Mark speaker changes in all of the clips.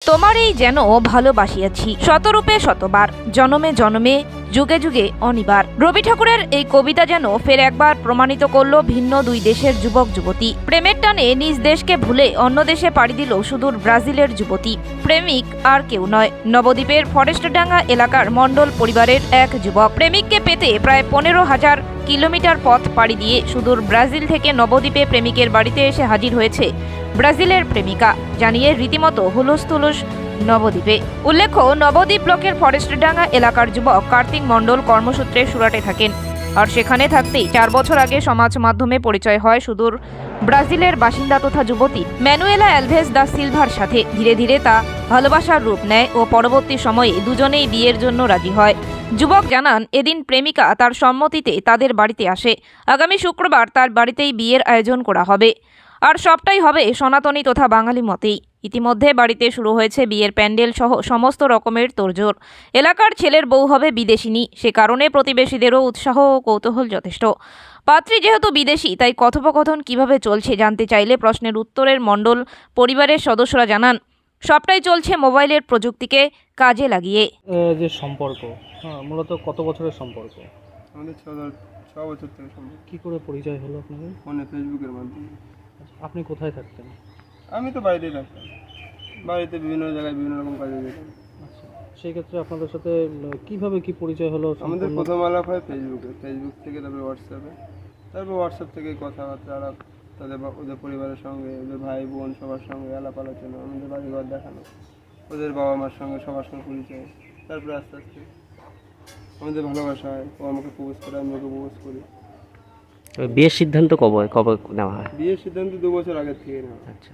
Speaker 1: তোমারই যেন ভালোবাসিয়াছি শতরূপে শতবার, জনমে জনমে যুগে যুগে অনিবার। রবি ঠাকুরের এই কবিতা যেন ফের একবার প্রমাণিত করল ভিন্ন দুই দেশের যুবক যুবতী প্রেমের টানে নিজ দেশকে ভুলে অন্য দেশে পাড়ি দিল সুদূর ব্রাজিলের যুবতী। প্রেমিক আর কেউ নয়, নবদ্বীপের ফরেস্টডাঙ্গা এলাকার মণ্ডল পরিবারের এক যুবক। প্রেমিককে পেতে প্রায় 15,000 কিলোমিটার পথ পাড়ি দিয়ে সুদূর ব্রাজিল থেকে নবদ্বীপে প্রেমিকের বাড়িতে এসে হাজির হয়েছে ব্রাজিলের প্রেমিকা, জানিয়ে রীতিমতো হুলস্থুলুস নবদ্বীপে। উল্লেখ্য, নবদ্বীপ ব্লকের ফরেস্টডাঙ্গা এলাকার যুবক কার্তিক মণ্ডল কর্মসূত্রে সুরাটে থাকেন, আর সেখানে থাকতেই 4 বছর আগে সমাজ মাধ্যমে পরিচয় হয় সুদূর ব্রাজিলের বাসিন্দা তথা যুবতী ম্যানুয়েলা অ্যালভেজ দা সিলভার সাথে। ধীরে ধীরে তা ভালোবাসার রূপ নেয় ও পরবর্তী সময়ে দুজনেই বিয়ের জন্য রাজি হয়। যুবক জানান, এদিন প্রেমিকা তার সম্মতিতে তাদের বাড়িতে আসে। আগামী শুক্রবার তার বাড়িতেই বিয়ের আয়োজন করা হবে, আর সবটাই হবে সনাতনী তথা বাঙালি মতেই। ইতিমধ্যে বাড়িতে শুরু হয়েছে বিয়ের প্যান্ডেল সহ সমস্ত রকমের তোড়জোড়। এলাকার ছেলের বউ হবে বিদেশিনী, সে কারণে প্রতিবেশীদেরও উৎসাহ ও কৌতূহল যথেষ্ট। পাত্রী যেহেতু বিদেশি, তাই কথোপকথন কিভাবে চলছে জানতে চাইলে প্রশ্নের উত্তরের মণ্ডল পরিবারের সদস্যরা জানান, সবটাই চলছে মোবাইলের প্রযুক্তিকে কাজে লাগিয়ে।
Speaker 2: যে সম্পর্ক, মূলত কত বছরের সম্পর্ক?
Speaker 3: আমাদের ছ বছর থেকে সম্ভব।
Speaker 2: কি করে পরিচয় হলো আপনাদের?
Speaker 3: ফোনে, ফেসবুকের মাধ্যমে।
Speaker 2: আপনি কোথায় থাকতেন?
Speaker 3: আমি তো বাড়িতেই থাকতাম, বাড়িতে বিভিন্ন জায়গায় বিভিন্ন রকম কাজে যেতাম।
Speaker 2: আচ্ছা, সেই ক্ষেত্রে আপনাদের সাথে কিভাবে কি পরিচয় হলো?
Speaker 3: আমাদের প্রথম আলাপ হয় ফেসবুক থেকে, তারপরে হোয়াটসঅ্যাপে, তারপর হোয়াটসঅ্যাপ থেকে কথাবার্তা আলাপ, ওদের পরিবারের সঙ্গে, ওদের ভাই বোন সবার সঙ্গে আলাপ আলোচনা, আমাদের বাড়িঘর দেখানো, ওদের বাবা মার সঙ্গে সবার সঙ্গে পরিচয়। তারপরে আস্তে আস্তে আমাদের ভালোবাসা হয়, ও আমাকে প্রপোজ করে, আমি ওকে প্রপোজ করি।
Speaker 4: বিয়ের সিদ্ধান্ত কবে কবে নেওয়া হয়?
Speaker 3: বিয়ের সিদ্ধান্ত 2 বছর আগের থেকে নেওয়া।
Speaker 4: আচ্ছা,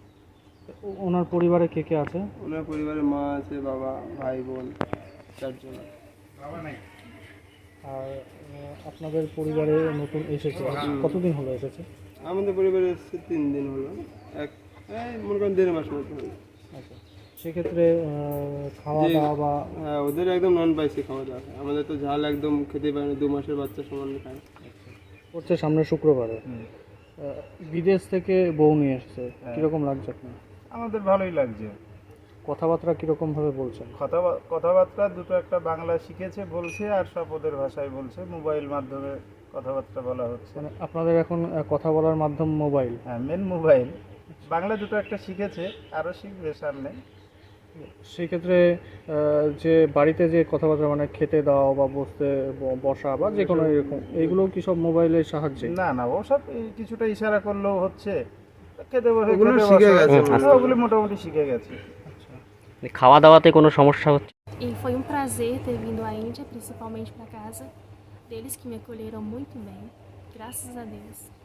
Speaker 2: ওনার পরিবারে কে কে আছে?
Speaker 3: ওনার পরিবারে মা আছে, বাবা, ভাই বোন, 4 জন।
Speaker 2: আর আপনাদের পরিবারে নতুন এসেছে, কতদিন হলো এসেছে?
Speaker 3: আমাদের পরিবারে এসেছে 3 দিন হলো, মনে করেন 1.5 মাস মতো হলো।
Speaker 2: আচ্ছা, সেক্ষেত্রে খাওয়া দাওয়া বা
Speaker 3: হ্যাঁ, ওদের একদম নন স্পাইসি খাওয়া দাওয়া হয়। আমাদের তো ঝাল একদম খেতে পারে না, 2 মাসের বাচ্চা সমান খায়।
Speaker 2: হচ্ছে সামনে শুক্রবারে বিদেশ থেকে বউ নিয়ে এসেছে, কীরকম লাগছে আপনার?
Speaker 5: আমাদের ভালোই লাগছে।
Speaker 2: কথাবার্তা কীরকম ভাবে বলছেন?
Speaker 5: কথাবার্তা দুটো একটা বাংলা শিখেছে বলছে, আর সব ওদের ভাষায় বলছে। মোবাইল মাধ্যমে কথাবার্তা বলা হচ্ছে।
Speaker 2: মানে আপনাদের এখন কথা বলার মাধ্যম মোবাইল?
Speaker 5: হ্যাঁ, মেন মোবাইল। বাংলা দুটো একটা শিখেছে, আরও শিখবে সামনে।
Speaker 2: সেই ক্ষেত্রে যে বাড়িতে যে কথাবার্তা, মানে খেতে দাও বা বসা বা যে কোনো এরকম, এইগুলো কি সব মোবাইলের সাহায্যে?
Speaker 5: না না, ওসব কিছুটা ইশারা করলেও হচ্ছে। খেতে বসে
Speaker 3: ওগুলো শিখে গেছে,
Speaker 5: ওগুলি মোটামুটি শিখে গেছে।
Speaker 4: খাওয়া দাওয়াতে কোনো সমস্যা হচ্ছে?
Speaker 6: E foi prazer ter vindo à Índia, principalmente para casa deles, que me acolheram muito bem, graças a Deus.